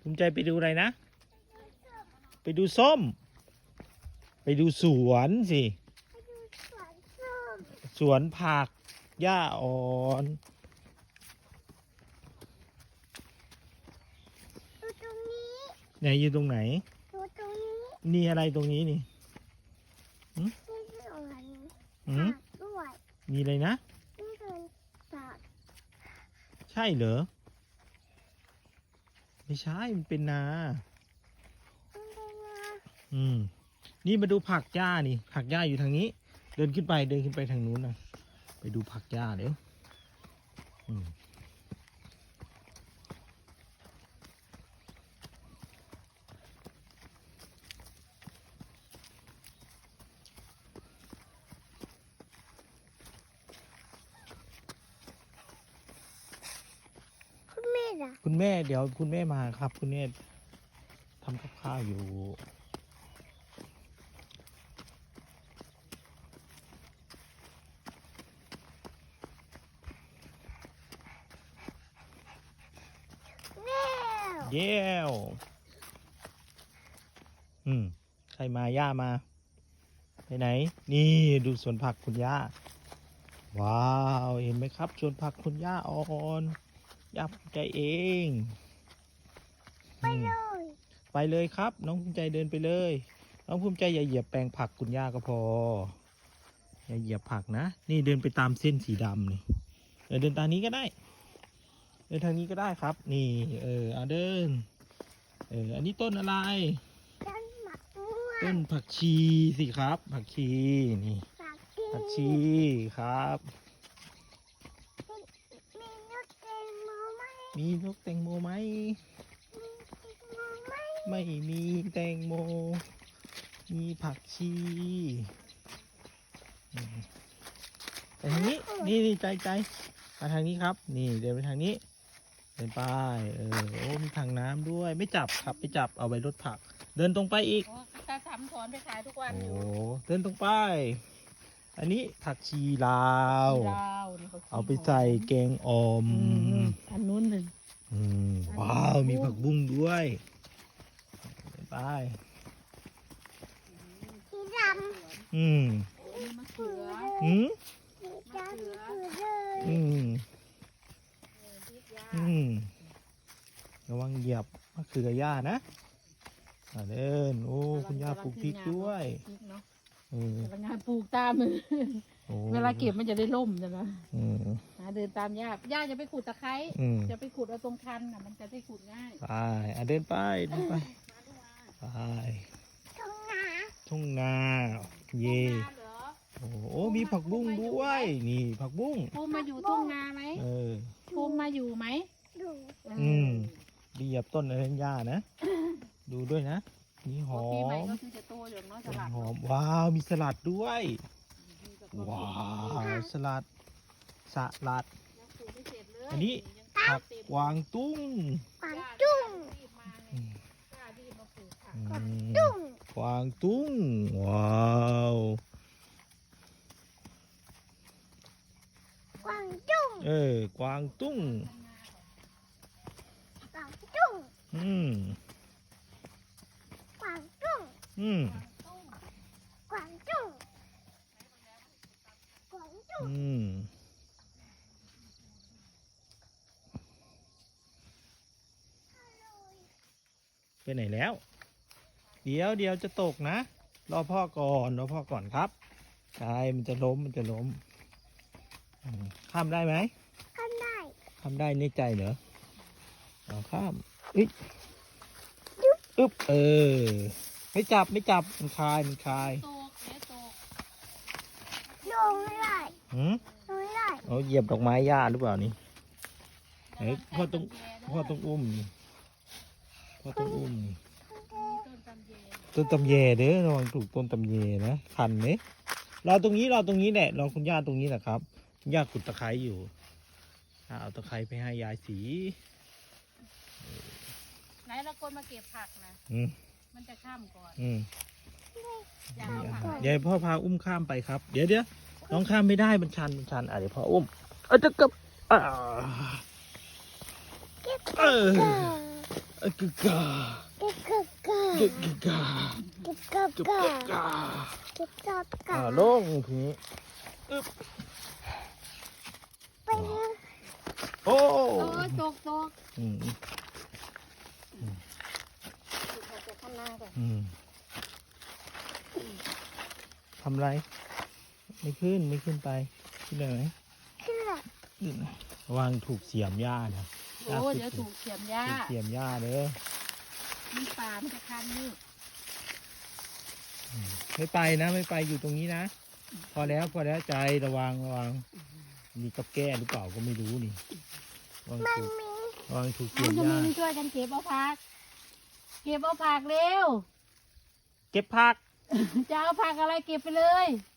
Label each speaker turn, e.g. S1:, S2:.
S1: ภูมิใจไปดูอะไรนะไปดูส้มไปดูสวนสิสวนผักหญ้าอ่อนไหนอยู่ตรงไหนนี่อะไรตรงนี้นี่มีอะไรนะใช่เหรอไม่ใช่มันเป็นนานี่มาดูผักหญ้านี่ผักหญ้าอยู่ทางนี้เดินขึ้นไปทางนู้นนะไปดูผักหญ้าเดี๋ยวคุณแม่เดี๋ยวคุณแม่มาครับคุณแม่ทำกับข้าวอยู่เย้วใครมาย่ามาไปไหนนี่ดูสวนผักคุณย่าว้าวเห็นไหมครับสวนผักคุณย่าอ่อนย่าภูมิใจเองไปเลยครับน้องภูมิใจเดินไปเลยน้องภูมิใจอย่าเหยียบแปลงผักคุณย่าก็พออย่าเหยียบผักนะนี่เดินไปตามเส้นสีดำนี่เดินทางนี้ก็ได้เดินทางนี้ก็ได้ครับนี่เอาเดินอันนี้ต้นอะไรต้นผักชีสิครับผักชีนี่ผักชีครับมีนกแตงโมไหมไม่มีแตงโมมีผักชีไปทางนี้นี่ใจมาทางนี้ครับนี่เดินไปทางนี้เดินไปโอ้มีทางน้ำด้วยไม่จับครับไม่จับเอาไว้รถผักเดินตรงไปอีก
S2: ตาทำถอนไปขายทุกวันอยู่
S1: เดินตรงไปอันนี้ผักชีลาวเอาไปใส่แกงอ่อม
S2: อันนู้นหนึ่ง
S1: ว้าวมีผักบุ้งด้วยไป
S3: สีดำ
S2: มะเขือ
S3: สีดำ
S1: ระวังเหยียบมะเขือย่านะเดินโอ้คุณย่าปลูกพริกด้วย
S2: พลังงานปลูกตามมือเวลาเก็บมันจะได้ล่มใช่ไหมเดินตามย่าจะไปขุดตะไคร้จะไปขุดเอาตรงคันมันจะได้ขุดง่าย
S1: ไปเดินไปไปทุ่งนาเย่โอ้มีผักบุ้งด้วยนี่ผักบุ้ง
S2: ภูมิมาอยู่ทุ่งนาไหมภูมิมาอยู่ไหม
S1: เหยียบต้นอะไรหญ้านะดูด้วยนะนี่หอมหอมว้าวมีสลัดด้วยว้าวสลัดอันนี้ผักกวางตุ้งกวางตุ้งว้าวกวางตุ้งกวางตุ้งไปไหนแล้วเดี๋ยวจะตกนะรอพ่อก่อนครับใช่มันจะล้มข้ามได้ไหมข้ามได้ในใจเหรอเอาข้ามอึ๊บไม่จับมันคาย
S3: ลงไม่ได้
S1: เอาเหยียบดอกไม้หญ้าหรือเปล่านี่พ่อต้องอุ้มต้นตำแยเด้อระวังถูกต้นตำแยนะคันไหมรอตรงนี้แหละรอคุณย่าตรงนี้แหละครับคุณย่าขุดตะไคร้อยู่เอาตะไคร้ไปให้ยายสี
S2: ไหนเราคนมาเก็บผักนะมันจะข้ามก่อน
S1: ยายพ่อพาอุ้มข้ามไปครับเดี๋ยวน้องข้ามไม่ได้มันชันเดี๋ยวพ่ออุ้มจะกับกึกกา
S3: กิกกักกาก
S1: ึกกึกกา
S3: กิกกัก
S1: กึก
S3: กาก
S1: ึกกา
S3: กิกกักกา
S1: ลงทีนี้
S3: ไปนะ
S1: โอ้
S2: โอ้ยตก
S1: อืม
S2: จะข้างหน้าก่อน
S1: อืมทำไรไม่ขึ้นไปขึ้นได้ไหม
S3: ขึ้นเลย
S1: ขึ้นระวังถูกเสียมหญ้านะ
S2: โอ้ยเดี๋ยวถูกเสียมหญ้า
S1: ถูกเสียมหญ้าเด้อ
S2: มีปลามันจะคันนี่
S1: ไม่ไปนะไม่ไปอยู่ตรงนี้นะ พอแล้วใจระวังมีกับแก้หรือเปล่าก็ไม่รู้นี่
S3: มัน
S1: ระวังถูก
S3: มี
S1: ระวังถูก
S2: คุ
S1: เสีย
S2: ณ
S1: ม
S2: จะ
S1: หญ้า
S2: มีช่วยกันเก็บเอาผัก เก็บเอาผักเร็ว
S1: เก็บผัก
S2: จะเอาผักอะไรเก็บไปเลย